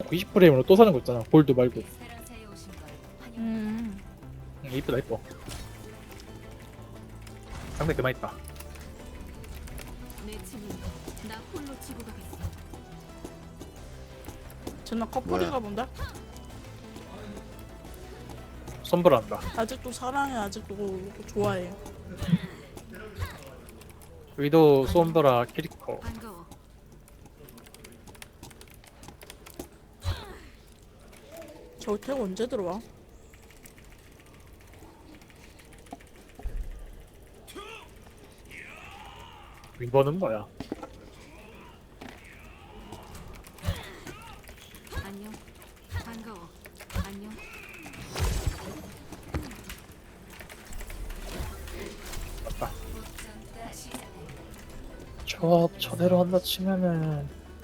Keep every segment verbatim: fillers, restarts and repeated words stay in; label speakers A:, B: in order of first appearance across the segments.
A: 이십 프레임으로 또 사는 거 있잖아. 골드 말고.
B: 음.
A: 응, 이쁘다 이뻐. 상대 그만 있다.
B: 쟤나 커플인가 본데?
A: 선불한다.
B: 아직도 사랑해, 아직도 좋아해.
A: 위도 솜브라 키리코.
B: 저택 언제 들어와?
A: 이번은 뭐야?
C: 안녕. 반가워. 안녕.
A: 맞다. 조합 저대로 한다 치면은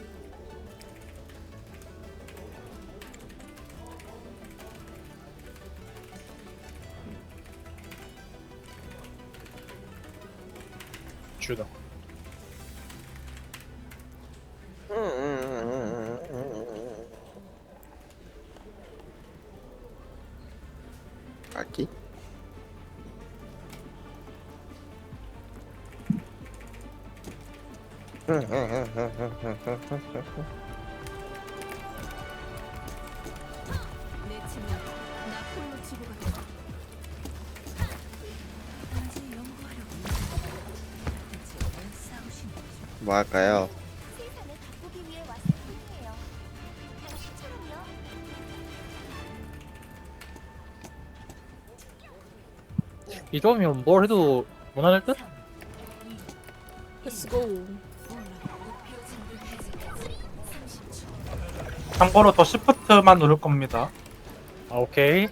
A: 주다.
D: 아기?
C: 내 친구. 나 홀로 치고 가겠어. 언제 연구하려고. 대체 왜 싸우시는 거죠?
D: 뭐 할까요?
E: 세상을 바꾸기 위해 왔을 뿐이에요. 당신처럼요.
A: 이 조합이면 뭘 해도 무난할 듯?
B: Let's go.
F: 참고로 더 시프트만 누를 겁니다.
A: 아 오케이.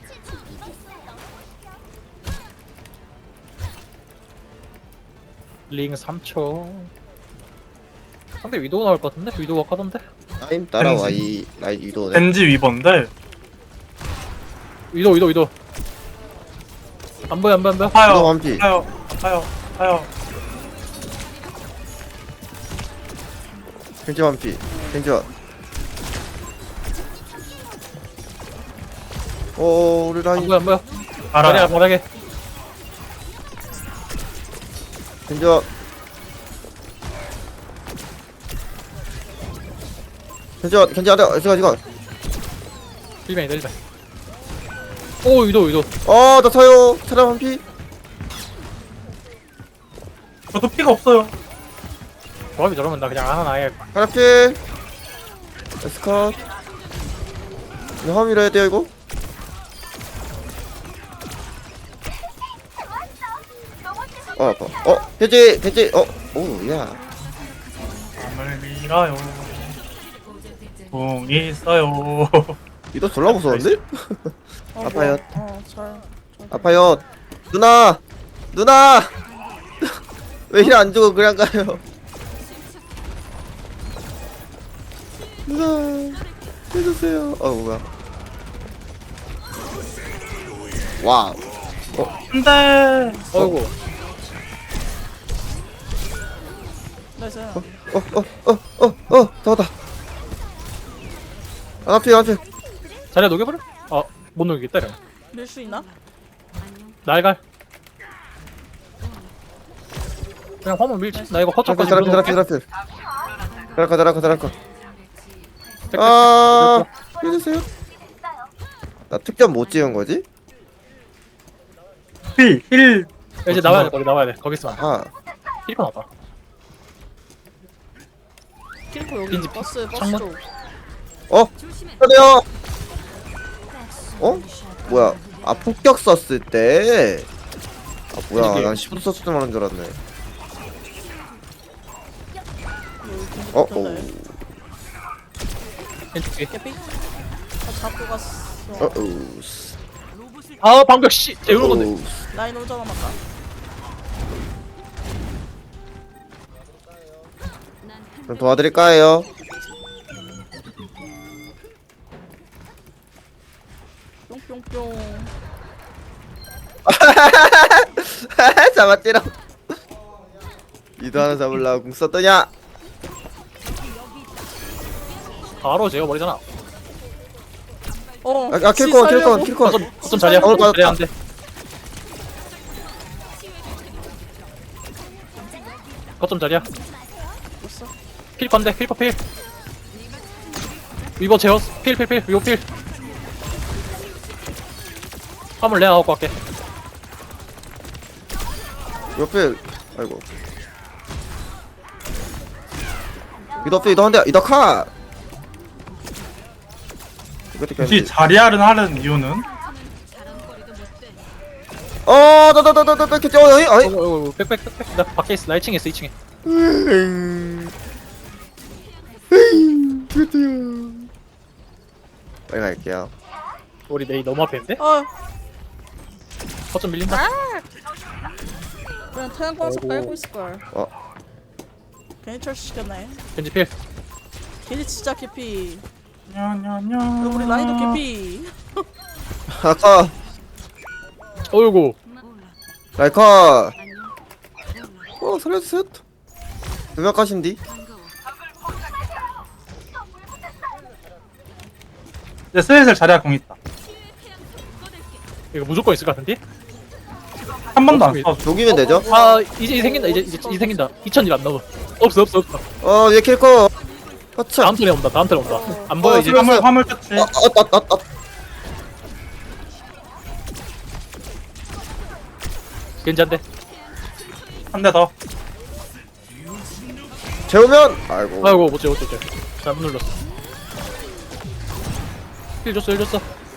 A: 링 삼 초. 상대 위도우 나올 것 같은데? 위도우가 카던데?
D: 타임 따라와 이 라이 유도네.
F: 겐지 위번데
A: 위도우 위도우 위도우. 안 보여 안 보여 안 보여.
D: 유도
F: 아파요
D: 완피.
F: 아파요 아파요 아파요.
D: 켄지 완피. 켄지 완. 오 우리
A: 안
D: 라인.
A: 보여 안 보여.
F: 알아요.
A: 잘해 잘하게.
D: 켄지 완. 켄지 완. 켄지 완. 지금 지금.
A: 일벤이다 일벤. 오 위도우 위도우.
D: 어나 타요. 차량 완피.
F: 저도 피가 없어요.
A: 조합이 저러면 나 그냥 하나 아예
D: 하나필. 에스컷. 이거 화밀 해야 돼요 이거? 어 아파. 어 켄지 켄지. 어 오야.
F: 밤을 밀어요. 붕 있어요.
D: 이거 졸라 무서운데?
B: 어,
D: 아파요.
B: 뭐야. 어, 잘. 잘
D: 아파요. 누나! 누나! 왜 힐 안 주고 그냥 가요? 누나! 해주세요. 어, 뭐야. 와우.
F: 안돼.
A: 어이구.
B: 나이스.
D: 어, 어, 어, 어, 어, 잡았다. 안 앞에, 안 앞에.
A: 자리야 녹여버려? 아못 녹이겠다 이러면.
B: 밀 수 있나?
A: 날갈. 그냥 화물 밀지. 나 이거
D: 드라필,
A: 허접까지
D: 드라필,
A: 밀어놓을게.
D: 드라필, 드라필. 드라카, 드라카, 드라카. 아, 해주세요. 나 특전 못 찍은 거지?
F: 힐 힐.
A: 야, 이제 나와야 돼 거기 나와야 돼. 거기 있으면 안 돼.
D: 아,
A: 힐리콘 나왔다.
B: 킬코 여기
A: 빈지
B: 버스 버스
A: 창문?
B: 쪽.
D: 어? 그래요. 어? 뭐야? 아 폭격 썼을 때. 아 뭐야?
A: 이게-
D: 난 시프트 썼을 때 말한 줄 알았네. 어? 오.
A: 왼쪽에.
B: 개피? 아 잡고 갔어.
D: 어? 오.
A: 아 방벽 씨. 재우는 건데.
D: 오.
B: 라인 혼자 남았다.
D: 좀 도와드릴까요?
B: 뿅뿅뿅.
D: 잡았지롱. 이도 하나 잡으려고 궁 썼더냐?
A: 바로 재워버리잖아.
B: 어.
D: 아, 아 킬건 킬건
B: 살려고.
D: 킬건.
A: 거점 거점 자리야.
D: 어,
A: 거점
D: 맞았다.
A: 자리야 안 돼. 거점 자리야.
B: 됐어.
A: 필 건데 필퍼 필. 위버 제어스 필 필 필 위버 필. 화물 내가 갖고 갈게.
D: 옆에 아이고. 이더 빼 이더 한대 이더 카. 이거 어떻게
F: 혹시
D: 하는지.
F: 자리아를 하는 이유는?
C: 자랑거리도 못돼.
D: 어, 나나나나나나 캐치. 어, 어이, 어이.
A: 어어 백백백백. 나 밖에 있어. 나 일 층에 있어 이 층에.
D: 음. 음, 드디어. 빨리 갈게요.
A: 우리 메이 너무 앞에 있는데?
B: 아,
A: 거점 밀린다.
B: 그냥 태양 광석
A: 아이고.
B: 깔고 있을 걸.
D: 어,
B: 괜히 철시켰네.
A: 겐지 필.
B: 괜히 진짜 개피.
F: 냐냐냐.
B: 우리 라인도 개피.
D: 아까
A: 어이구.
C: 몰라.
D: 라이카.
C: 안녕.
D: 어, 살려주세요. 두명 까신디.
C: 반가워.
F: 이제 슬슬 자리아 공 있다.
A: 이거 무조건 있을 것 같은데?
F: 한 번도 안
A: 없습니다.
F: 써.
D: 녹이면 되죠?
A: 아 이제 이 생긴다. 이제 이제 이 생긴다. 이천 일 안 넘어. 없어 없어 없어.
D: 어, 얘 킬거. 허차.
A: 다음 턴에 온다. 다음 턴에 온다. 안 보여
D: 어,
A: 이제.
D: 그럼-
F: 화물 화물 터치.
D: 어, 어, 어, 어, 어.
A: 겐지 한 대.
F: 한 대 더.
D: 재우면. 아이고.
A: 아이고 못째 못째 못째. 잘못 눌렀어. 힐 줬어 힐 줬어.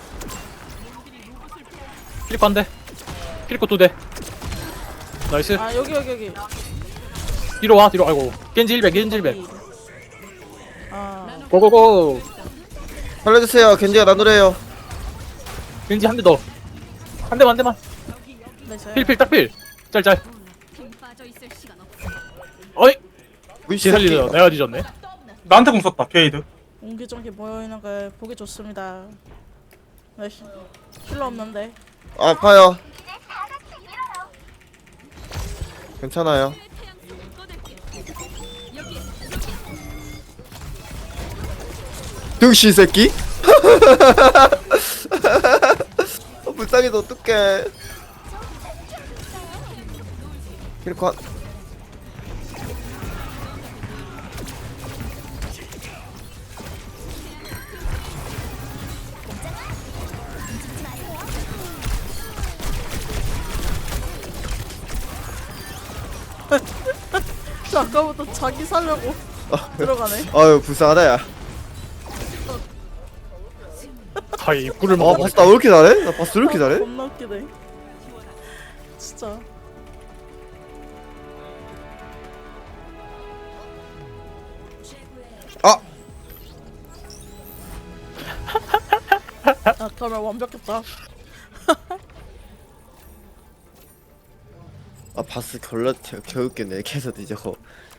A: 킬코 한 대. 킬코 두 대. 나이스.
B: 아, 여기, 여기, 여기.
A: 뒤로 와 뒤로. 아이고. 겐지 일 배 겐지 일 배.
B: 아,
A: 고고고.
D: 살려주세요. 겐지가 나누래요.
A: 겐지 한 대 더. 한 대만 한 대만.
B: 네, 저요.
A: 필필 딱 필. 짤짤.
C: 몰라. 힘 빠져 있을 시간 없어.
A: 어이.
D: 우리
A: 지 살리려 내가 뒤졌네.
F: 나한테 공 썼다. 게이드.
B: 옹기종기 모여있는 걸 보기 좋습니다. 네, 힐- 힐러 없는데.
D: 아파요. 괜찮아요. 등신 새끼. 어, 불쌍해서 어떡해. 킬컷.
B: 저 아까부터 자기 살려고 들어가네.
D: 아유 불쌍하다 야.
A: 아이 입구를
D: 아
A: 먹어.
D: 바스 나왜 이렇게 잘해? 나 바스 왜 이렇게 잘해?
B: 겁나 웃기네. 진짜.
D: 아
B: 아, 그러면 완벽했다.
D: 아 바스 결라 개웃겠네. 계속 이제 거